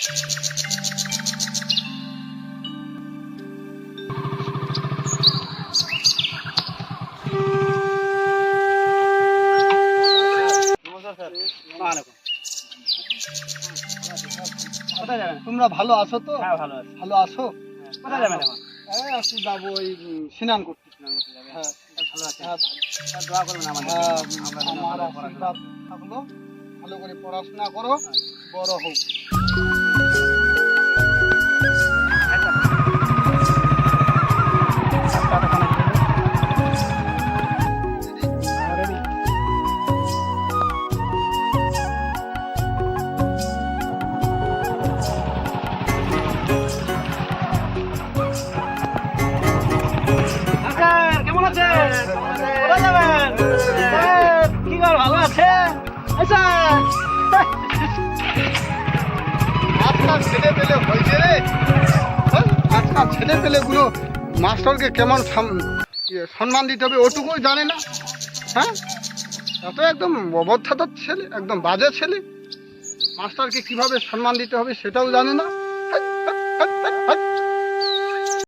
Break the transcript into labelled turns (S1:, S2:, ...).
S1: তোমরা ভালো আছো তো?
S2: হ্যাঁ ভালো আছি।
S1: ভালো আছো?
S2: কোথায় যাবেন এখন?
S1: একটু যাবো ওই স্নান করতে।
S2: যাবেন?
S1: হ্যাঁ
S2: ভালো আছে।
S1: হ্যাঁ
S2: দোয়া করবেন আমাদের
S1: হ্যাঁ,
S2: জন্য। আমরা যেন
S1: আমার
S2: ভালো পড়াশোনা
S1: আশীর্বাদ থাকলো, ভালো করে পড়াশোনা করো, বড় হোক।
S2: কেমন আছেন? কোথায় যাবেন? কি খবর, ভালো আছেন?
S1: আজকাল ছেলে পেলে হয়েছে রে, আজকাল ছেলে পেলেগুলো মাস্টারকে কেমন সম্মান দিতে হবে ওটুকুই জানে না। হ্যাঁ, এত একদম অবস্থাদার ছেলে, একদম বাজে ছেলে। মাস্টারকে কিভাবে সম্মান দিতে হবে সেটাও জানে না।